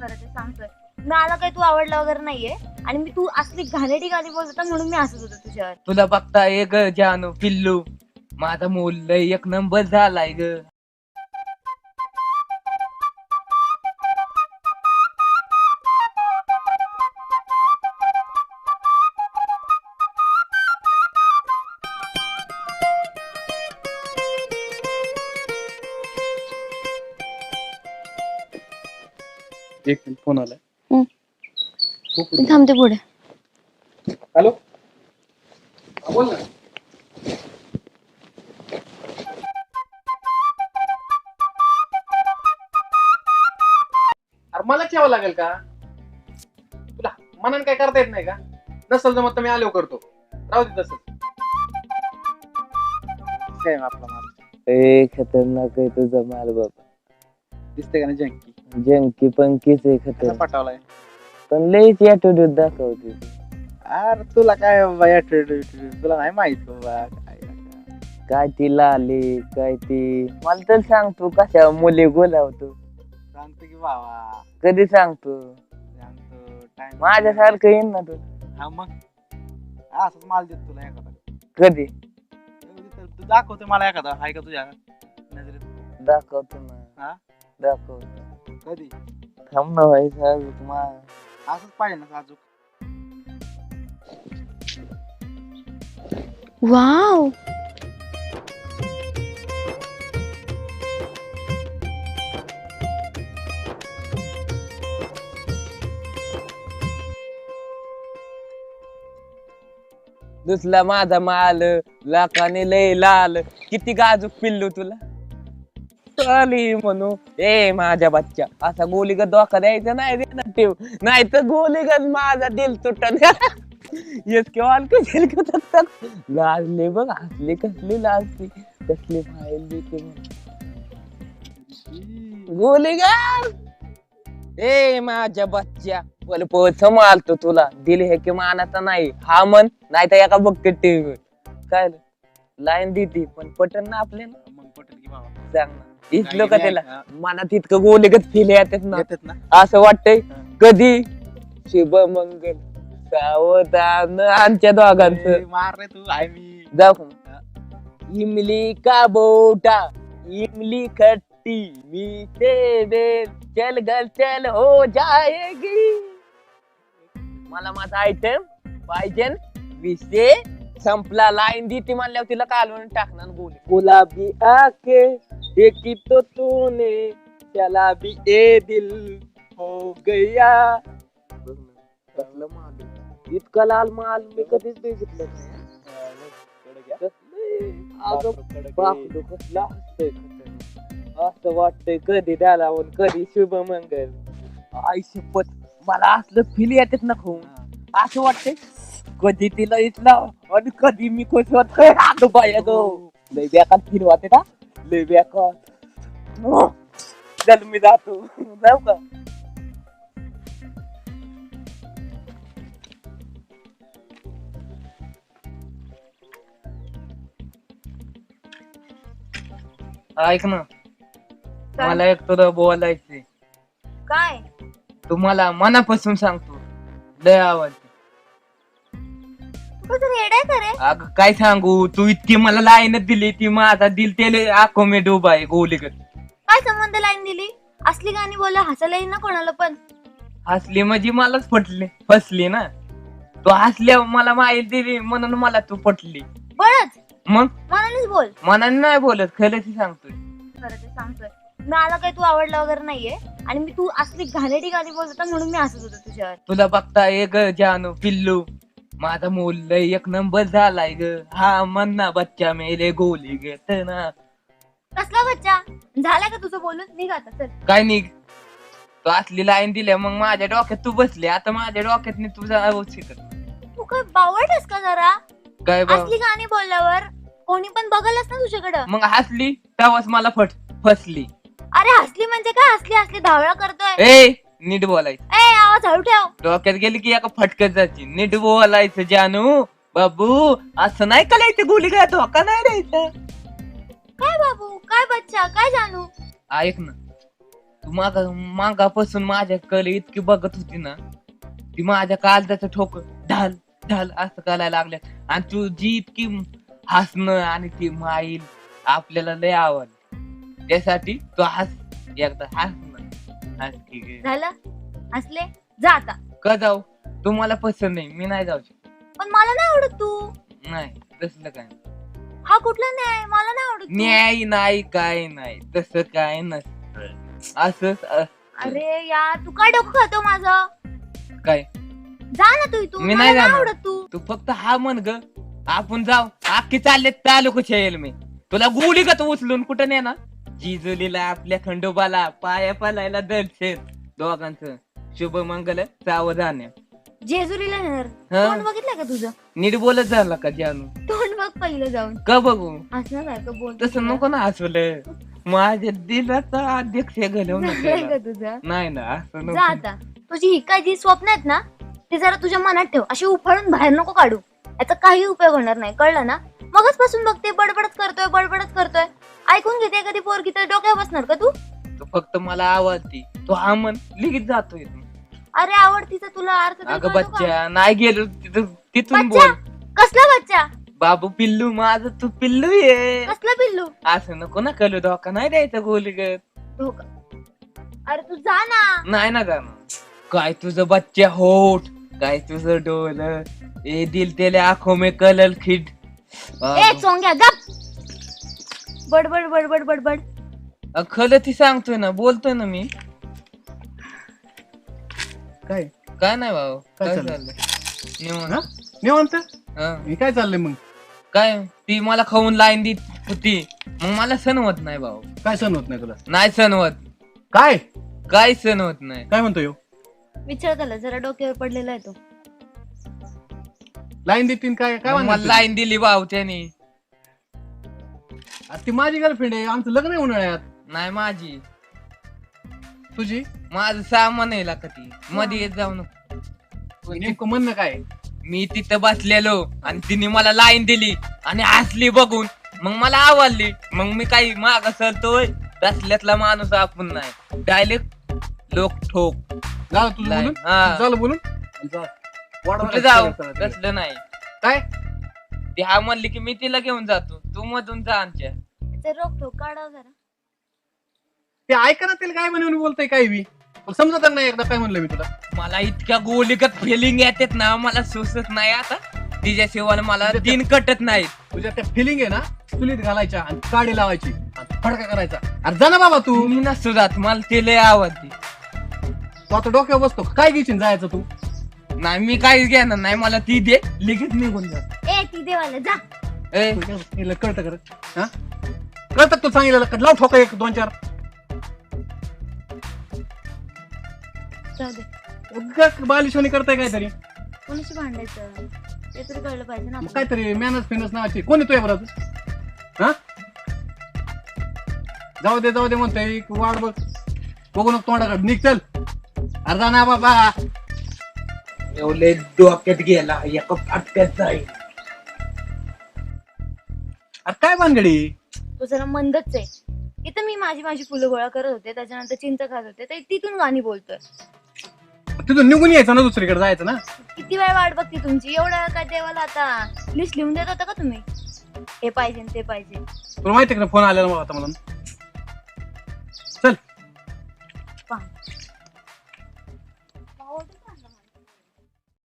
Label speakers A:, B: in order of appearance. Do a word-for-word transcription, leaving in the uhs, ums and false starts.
A: खरं ते सांगतोय. मला काही तू आवडला वगैरे नाहीये आणि मी तू असली घाणेरडी गाणी बोलत होता म्हणून मी हसत होतो तुझ्यावर.
B: तुला बघता एक जानू पिल्लू माझा मूल लय एक नंबर झालाय ग.
C: एक मिनिट फोन आलाय.
A: हम्म.
C: खूप
A: मी थांबते पुढे.
C: हॅलो हा, बोल ना. अरे मला ठेवावं लागेल का तुला मनाने काय करता येत नाही का? नसल जमत तर मी आलो करतो. राहू दे तसंच. काय आपला माल
B: ए खतरनाक आहे तुझा माल बाबा.
C: दिसते का नाही जंकी
B: जंकी पंकीच आहे
C: कसा
B: खतर
C: पटावलाय.
B: पण लईच ऍटिट्यूड दाखवते.
C: अरे तुला काय बाबा attitude? तुला नाही माहित बाबा काय
B: काय ती लाली काय ती मला तर सांगतो कशा मुली बोलावतो.
C: सांगतो की बाबा
B: कधी सांगतो
C: सांगतो टाइम
B: माझ्यासारखं येईन ना तू.
C: हा मग असंच माल देत तुला एखादा.
B: कधी
C: तू दाखवतो मला एखादा आहे का तुझ्या नजरेत?
B: दाखवतो ना
C: हा
B: दाखवतो.
C: कधी
B: थांब ना भाई साहेब मा
C: असंच पाहिजे ना साजूक.
A: वाव.
B: दुसला माझा माल लाखाने लय लाल किती गाजूक पिल्लू तुला चाली म्हणू ए माझ्या बच्चा असा गोलीगत धोका द्यायचा नाही देणार ठेव नाही तर गोलीगत माझा दिल तुटन. येस केव्हा कसे लाजले बघ हसले कसली लाजली कसली फाईल देते गोलीगत. ए माझ्या बच्च्या बोल पोच मालतो तुला दिल हे की मानाचा नाही हा मन नाही तर एका बघते टीव्ही काय लाईन देते पण पटन ना आपल्याला.
C: मग पटेल की बाबा
B: सांग ना इथलं का त्याला
C: हा.
B: मनात इतकं गोलीगत फील येतात ना
C: येतात ना.
B: असं वाटतंय कधी शुभ मंगल सावधान आमच्या दोघांचं
C: ए, मार रे तू आहे मी.
B: जाऊ का? इमली का बोटा इमली खट्टी मीठे बेल चल गल चल हो जाएगी. मला माझा आयटम पाहिजे विषय संपला. लाईन दी ती म्हणल्यावर तिला कालवून टाकणार गोली. गुलाबी आके देखी तो तूने चला भी ए दिल हो गया. कसलं माल इतका लाल माल मी कधीच बघितलं नाही. बापरे, कसलं हसतंय खतरनाक. असं वाटतंय कधी त्याला कधी शुभ मंगल. आई शपथ मला असलं फील येतात ना खूप. असं वाटतंय कधी तिला इथला आणि कधी मी खुश होतोय. अगं बाया गो लय बेकार फील वाटते का लय बेकार. चल मी जातो जाऊ का. ऐक ना
A: काय?
B: मला एक तुला बोलायचंय.
A: काय
B: तुम्हाला मनापासून सांगतो लय आवडते.
A: तू कसं रेड आहे का रे?
B: अगं काय सांगू तू इतकी मला लाईनच दिली ती माझा दिल त्याले आखो मे डोबा आहे गोलीगत.
A: काय संबंध लाईन दिली? असली गाणी बोल हसायला येईल ना कोणाला पण.
B: हसली म्हणजे मलाच पटली फसली ना तू हसल्या मला माहिती दिली म्हणून मला तू पटली.
A: बळच
B: मग
A: मनानेच बोल.
B: मनाने नाही बोलत खरंच सांगतोय.
A: खरं ते सांगतोय. मला काही तू आवडला वगैरे नाहीये आणि मी तू असली घाणेरडी गाणी बोलत होता म्हणून मी हसत होतो तुझ्यावर.
B: तुला बघता एक जानू पिल्लू माझा मूल लय एक नंबर झालाय ग. हा म्हणना बच्चा मेले गोली घेत ना.
A: कसला बच्चा झाला का तुझं बोलून? निघ आता चल.
B: काय निघ तू असली लाईन दिल्या मग माझ्या डोक्यात तू बसली आता माझ्या डोक्यात तुझा आवाज शिकत.
A: तू काय बावळटस का जरा?
B: काय बा
A: असली गाणी बोलल्यावर कोणी पण बघलच ना तुझ्याकडं.
B: मग हसली तेव्हाच मला फट फसली.
A: अरे हसली म्हणजे काय? हसली हसली धावळा करतोय.
B: ए नीट बोलायचं.
A: ए आवाज हळू ठेव.
B: डोक्यात गेली की एका फटक्यात जायची. नीट बोलायचं जानू बाबू असं नाही करायचं गोली काय धोका नाही द्यायचा.
A: काय बाबू काय बच्चा काय जानू?
B: ऐक ना तू माग मागापासून माझ्या कल इतकी बघत होती ना, ती माझ्या काळजाचं ठोक ढाल ढाल असं करायला लागल्या. आणि तू जी इतकी हसणं आणि ती माईल आपल्याला लय आवडली. त्यासाठी तू हस एकदा हस ना. हस की ग.
A: झालं असले जा आता.
B: का जाऊ? तुम्हाला पसंत नाही, मी नाही जाऊ शकत.
A: पण मला नाही आवडत तू.
B: नाही तसलं काय नाही.
A: हा कुठला न्याय? मला नाही आवडत तू.
B: न्याय नाही काय नाही तसं काय नसतं. असंच असतं.
A: अरे यार तू काय डोकं खातो माझं?
B: काय
A: जा ना तू इथून.
B: मी
A: मला
B: नाही
A: नाही
B: जाणार.
A: आवडत तू.
B: तू फक्त हा म्हण ग, आपण जाऊ. अख्खी चालले तालुक येईल मी तुला गुढी का तू उचलून कुठं ने ना. जिजुलीला आपल्या खंडोबाला पाया पालायला दर्शन दोघांचं शुभ मंगल सावधान.
A: जेजुरीला नेणार.
B: हा.
A: तोंड बघितलं का तुझं?
B: नीट बोलत झाला का जानू?
A: तोंड बघ पहिलं जाऊन.
B: का बघू?
A: हसण्यासारखं बोल.
B: तसं नको ना हसवलं. माझ्या दिलाचा अध्यक्ष घालवून
A: झालंय का तुझं?
B: नाही ना असं
A: जा
B: नको.
A: आता. तुझी ही काय जी स्वप्न आहेत ना ते जरा तुझ्या मनात ठेव. अशी उफाळून बाहेर नको काढू. याचा काही उपयोग होणार नाही, कळलं ना? मगच पासून बघते बडबडच करतोय बडबडच करतोय. ऐकून घेते कधी पोरगी तर डोक्यावर बसणार का तू?
B: तू फक्त मला आवडती. तो हा म्हण लिखित जातोय.
A: अरे आवडतीचा तुला अर्थ तरी
B: अगं
A: कळतो का?
B: बच्चा नाही गेलो तिथं तिथून
A: बच्चा?
B: बोल.
A: कसला बच्चा?
B: बाबू पिल्लू माझं तू पिल्लू ये.
A: कसला पिल्लू?
B: असं नको ना करू. धोका नाही द्यायचा गोलीगत.
A: धोका? अरे तू जा ना.
B: नाही ना जाणार. काय तुझं बच्चा होठ, काय तुझं डोल, ए दिल तेले आंखों में कलल खिड.
A: ए चोंग्या गप. बडबड बडबड बडबड.
B: खरं ती सांगतोय ना, बोलतोय ना मी.
C: काय
B: काय नाही भाऊ.
C: काय
B: काय
C: चाललंय?
B: चाललंय निवांत.
C: हा? निवांत
B: हा.
C: हे काय चाललंय मग?
B: काय ती मला खाऊन लाईन देत होती, मग मला सण होत नाही भाऊ.
C: काय सण होत नाही तुला?
B: नाही सण होत.
C: काय
B: काय सण होत नाही.
C: काय म्हणतो ह्यो?
A: विचार त्याला जरा डोक्यावर पडलेला आहे तो.
C: लाईन देतीन काय काय
B: मग मला
C: म्हणतो?
B: लाईन दिली भाऊ त्याने.
C: ती माझी गर्लफ्रेंड आहे, आमचं लग्न आहे उन्हाळ्यात.
B: नाही माझी,
C: तुझी?
B: माझं सामान आहे का ती मध्ये येत जाऊ नको.
C: नेमकं म्हणणं काय?
B: मी तिथं बसलेलो आणि तिने मला लाईन दिली आणि हसली बघून, मग मला आवडली. मग मी काही माग सरतोय तसल्यातला माणूस आपण नाही. डायरेक्ट लोक ठोक
C: झालं तुझं
B: लाईन.
C: बोलून?
B: हा.
C: झालं बोलून? जा. वाढवा
B: कुठे
C: काय
B: जाऊ
C: सगळं सगळं.
B: तसलं नाही.
C: काय?
B: ती हा म्हणली की मी तिला घेऊन जातो, तू मधून जा आमच्या.
A: ते रोख ठोक काढा जरा.
C: ते ऐका ना, त्याला काय म्हणून बोलतोय काय बी समजत नाही. एकदा काय म्हणलं मी तुला?
B: मला इतक्या गोलीगत फिलिंग येतात ना, मला सुचत नाही आता. तिच्याशिवाय मला दिन कटत नाही.
C: तुझ्या त्या फिलिंग आहे ना, चुलीत घालायच्या आणि काडी लावायची आणि फडका करायचा. अरे जा ना बाबा तू.
B: मी नसतो जात, मला ते लय आवडते.
C: तू आता डोक्यावर बसतो काय घेशील जायचं तू?
B: नाही मी काहीच घेणार नाही, मला ती दे लगेच निघून जात.
A: ए ती देवाला जा.
B: ए
C: तुला कळतं कर? हा कळतं तू सांगितलं? लाव ठोका एक दोन चार.
A: जाऊ दे.
C: उगाच बालिशोनी करताय काहीतरी.
A: कोणाशी भांडायचं ते तरी कळलं पाहिजे ना
C: मग
A: आपल्याला.
C: काहीतरी मॅनस फिनस नावाची कोण येतोय बरं? हा जाऊ दे जाऊ दे म्हणतोय. वाढ बघ बघू नको तोंडाकडे. निघ चल. अरे जा ना बाबा.
B: एवढे डोक्यात गेला एका फाटक्यात जाईल.
C: अरे काय भानगडी?
A: तो जरा मंदच आहे. इथं मी माझी माझी फुलं गोळा करत होते, त्याच्यानंतर चिंच खात होते, तर तिथून गाणी बोलतोय.
C: तिथून निघून यायचं ना, दुसरीकडे जायचं ना.
A: किती वेळ वाट बघती तुमची? एवढा वेळ काय देवाला आता लिस्ट लिहून देत होता का तुम्ही? हे पाहिजे ते पाहिजे.
C: तुला माहिती आहे का फोन आलेला मला आता मला. चल.
A: पहा.